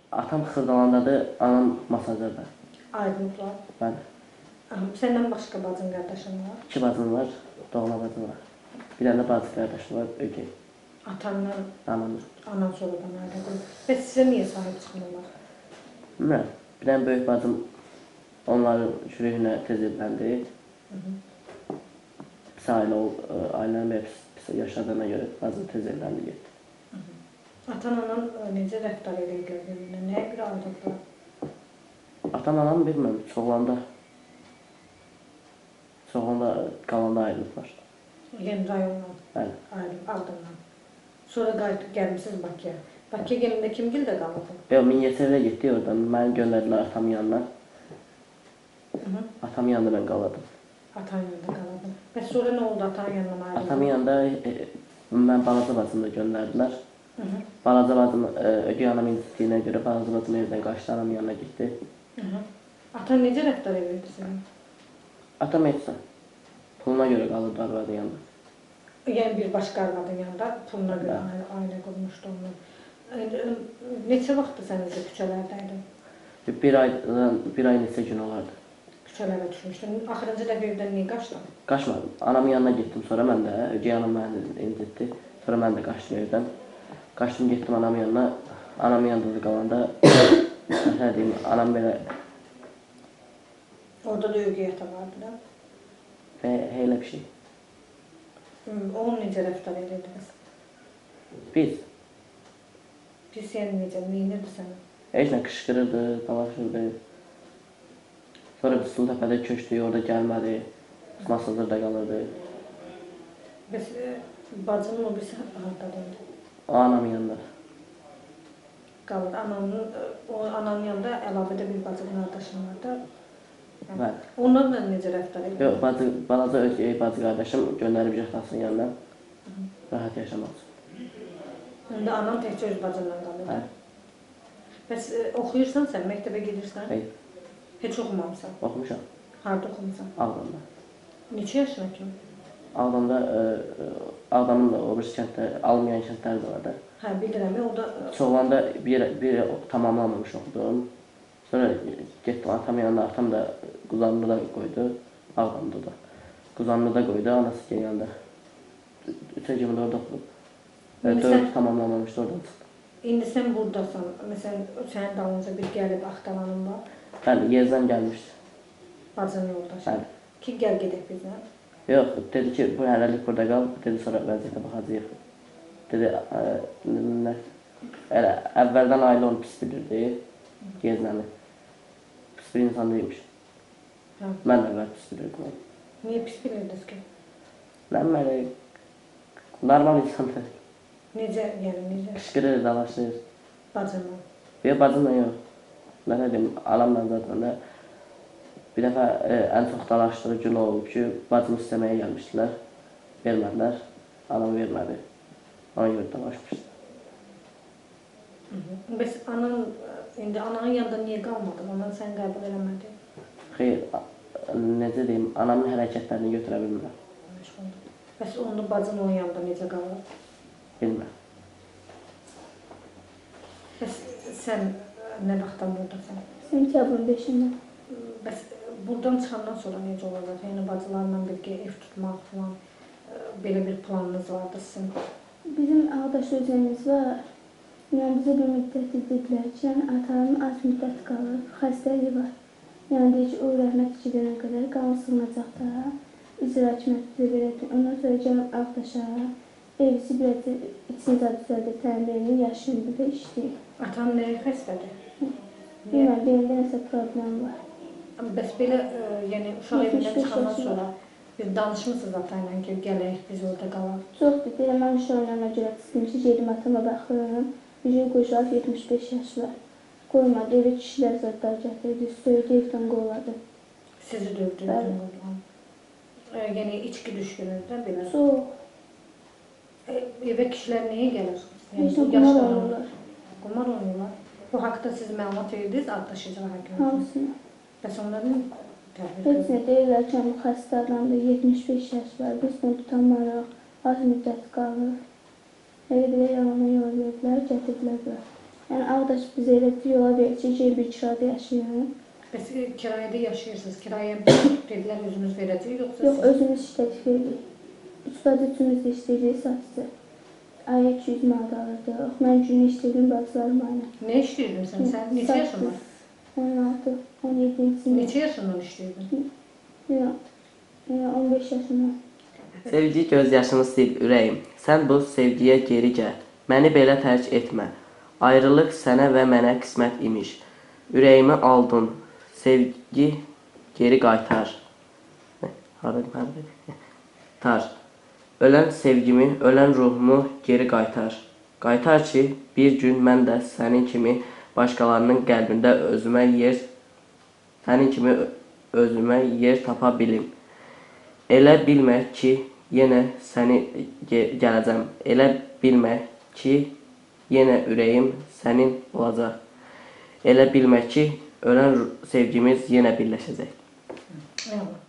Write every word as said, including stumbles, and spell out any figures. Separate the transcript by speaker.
Speaker 1: Atam Xırdalandadır, anam Masazırda.
Speaker 2: Aydınlıqlar.
Speaker 1: Bəli.
Speaker 2: Səndən başqa bacın qardaşın var?
Speaker 1: İki bacım var, doğma bacım var. Bir dənə də bacı qardaşım var, ögey.
Speaker 2: Atandan,
Speaker 1: Anamla.
Speaker 2: anan sonradan ailə qurub. Bəs sizə niyə sahib çıxmırlar?
Speaker 1: Bilmirəm, bir dənə böyük bacım onların çürüyünə tez evləndi. Pis ailə ol, ailənin belə pis yaşadığına görə bacım tez evləndi, getdi.
Speaker 2: Atan-anan necə rəftar edirlər birbirine? Nəyə görə ayrıldılar?
Speaker 1: Atam, anam bilmirəm, çoğulanda, çoğulanda qalanda ayrılıblar.
Speaker 2: Yəni rayondan
Speaker 1: Bəli.
Speaker 2: ayrılıb, Ağdamdan. Sonra qayıtıb gəlmişsiniz Bakıya. Bakıya gələndə kim gildə qalırdın?
Speaker 1: Yox, Mingəçevirə getdik oradan. Məni göndərdilər atamın yanına. Atamın yanında mən qalırdım.
Speaker 2: Atan yanında qalırdın. Bəs sonra nə oldu atanın yanına ayrıldın?
Speaker 1: Atamın yanında e, mən balaca bacımı da göndərdilər. Balaca bacım e, ögey anam incitdiyinə görə balaca bacım evdən qaçdı, anamın yanına getdi.
Speaker 2: Atan necə rəftar edirdi sənə?
Speaker 1: Atam etsə, puluna görə qalırdı arvadın yanında.
Speaker 2: Yəni bir başqa arvadın yanında puluna görə ailə qurmuşdu onu. Neçə vaxtdır sən necə küçələrdəydin?
Speaker 1: Bir aydan, bir ay neçə gün olardı.
Speaker 2: Küçələrə düşmüşdün. Axırıncı dəfə evdən niyə qaçdın?
Speaker 1: Qaçmadım. Anamın yanına getdim, sonra mən də, ögey anam məni incitdi. Sonra mən də qaçdım evdən. Qaçdım, getdim anamın yanına. Anamın yanında qalanda, nə deyim, anam belə...
Speaker 2: Orada da ögey ata vardı da.
Speaker 1: Və elə bir şey.
Speaker 2: Onun necə rəftar edirdiniz?
Speaker 1: Biz.
Speaker 2: Pis yəni necə, neyinirdi sənə?
Speaker 1: Heç nə qışqırırdı, dalaşırdı. Sonra biz Sultəpədə köçdük, orada gəlmədi. Masazırda qalırdı.
Speaker 2: Bəs bacının o birisi haradadır?
Speaker 1: O anamın yanında.
Speaker 2: Qalır. Ananın, o ananın yanında əlavədə bir bacı qardaşım var da.
Speaker 1: Bəli.
Speaker 2: Onlarla necə rəftar edir?
Speaker 1: Yox, bacı, balaca ögey bacı qardaşım göndərib atasının yanına. Rahat yaşamaq üçün.
Speaker 2: İndi anan təkcə öz bacınla qalır.
Speaker 1: Bəli.
Speaker 2: Bəs oxuyursan sən, məktəbə gedirsən?
Speaker 1: Hayır.
Speaker 2: Heç oxumamısan?
Speaker 1: Oxumuşam.
Speaker 2: Harada oxumusan?
Speaker 1: Ağdamda.
Speaker 2: Neçə yaşına kimi?
Speaker 1: Ağdamda, Ağdamın da o bir kənddə, almayan kəndlər də var da.
Speaker 2: Hə, bilirəm, o da...
Speaker 1: Çoğulanda bir, bir tamamlamamış oxudum. Sonra getdim atamın yanına, atam da Quzanlıda qoydu, Ağdamda da. Quzanlıda qoydu, anası gələndə. Üçə kimi də orada oxudum. Dörd tamamlamamışdı, oradan çıxdım.
Speaker 2: İndi sən buradasan, məsələn, sənin dalınca bir gəlib axtaranın var.
Speaker 1: Bəli, Yezdən gəlmişdi.
Speaker 2: Bacının yoldaşı.
Speaker 1: Bəli.
Speaker 2: Ki, gəl gedək bizlə.
Speaker 1: Yox, dedi ki, bu hələlik burada qal, dedi sonra vəziyyətə baxacaq. Dedi, elə əvvəldən ailə onu pis bilirdi, Yezdəni. Pis bir insan deyilmiş. Mən də əvvəl pis bilirdim onu.
Speaker 2: Niyə pis bilirdiniz ki?
Speaker 1: Mən mənə normal insandır.
Speaker 2: Necə, yəni necə?
Speaker 1: Qışqırır, dalaşır.
Speaker 2: Bacınla?
Speaker 1: Yox, bacımla yox. Nə dedim, anamla zaten də. Bir dəfə e, ən çox dalaşdığı gün olub ki, bacımı istəməyə gəlmişdilər. Vermədilər, anam vermədi. Ona görə dalaşmışdı.
Speaker 2: Bəs anan, indi ananın yanında niyə qalmadın? Anan sən qəbul eləmədi?
Speaker 1: Xeyr, necə deyim, anamın hərəkətlərini götürə bilmirəm.
Speaker 2: Bəs onu bacın onun yanında necə qalır?
Speaker 1: Bilmirəm.
Speaker 2: Bəs sən nə vaxtdan buradasan?
Speaker 3: Sentyabrın beşində.
Speaker 2: Bəs buradan çıxandan sonra necə olacaq? Yəni bacılarla birgə ev tutmaq falan, belə bir planınız vardı sizin?
Speaker 3: Bizim ağdaş özəyimiz var. Yəni bizə bir müddət dedilər ki, yəni atanın az müddət qalır, xəstəliyi var. Yəni deyir ki, o rəhmət gedənə qədər qanun sığınacaq da, icra hakimiyyəti verəcək. Ondan sonra gəlib ağdaşa, evisi bir içini də düzəldir, təmirini yaşayın burada işləyir.
Speaker 2: Atan nəyə xəstədir?
Speaker 3: Bilməm, belində nəsə problem var.
Speaker 2: Bəs belə, yəni uşaq evindən çıxandan sonra bir danışmışsınız atayla ki, gələk, biz orada qalaq?
Speaker 3: Çoxdur, deyirəm, mən uşaqlarına görə çıxdım ki, gedim atama baxıram. Bir şey qoşulaq, yetmiş beş yaş var. Qoymadı, evi kişilər zətlər gətirdi, söyüdü, evdən qoladı.
Speaker 2: Sizi dövdü, evdən qoladı. Yəni, içki düşkünüzdə belə?
Speaker 3: Çox.
Speaker 2: Evə kişilər nəyə gəlir?
Speaker 3: Heç nə qumar oynayırlar.
Speaker 2: Qumar oynayırlar. Bu haqda siz məlumat verdiniz, addaş icra hakimiyyətinə?
Speaker 3: Hamısını.
Speaker 2: Bəs onların təhvil
Speaker 3: Heç nə deyirlər ki, bu xəstə adamda yetmiş beş yaş var, biz bunu tutamaraq, az müddət qalır. Elə belə yalanı yol verdilər, gətirdilər bura. Yəni Ağdaş bizə elə bir yola verir ki, gel bir kirada yaşayın.
Speaker 2: Bəs e, kirayədə yaşayırsınız, kirayəyə dedilər özünüz verəcək, yoxsa
Speaker 3: Yox,
Speaker 2: siz?
Speaker 3: özümüz işlətib veririk. Üç bacı üçümüz də işləyirik, satıcı. Aya iki yüz manat alırdıq. Mən günü işləyirdim, bacılarım aynı.
Speaker 2: Nə işləyirdin sən? Sən neçə yaşın var?
Speaker 3: on altı, on yedinci
Speaker 2: Neçə yaşından işləyirdin?
Speaker 3: Yox, on beş yaşımda.
Speaker 1: Sevgi göz yaşını sil ürəyim. Sən bu sevgiyə geri gəl. Məni belə tərk etmə. Ayrılıq sənə və mənə qismət imiş. Ürəyimi aldın. Sevgi geri qaytar. Haradım, haradım. Tar. Ölən sevgimi, ölən ruhumu geri qaytar. Qaytar ki, bir gün mən də sənin kimi başqalarının qəlbində özümə yer, sənin kimi özümə yer tapa bilim. Elə bilmə ki, yenə səni gələcəm. Elə bilmə ki, yenə ürəyim sənin olacaq. Elə bilmə ki, ölən sevgimiz yenə birləşəcək.
Speaker 2: Eyvallah.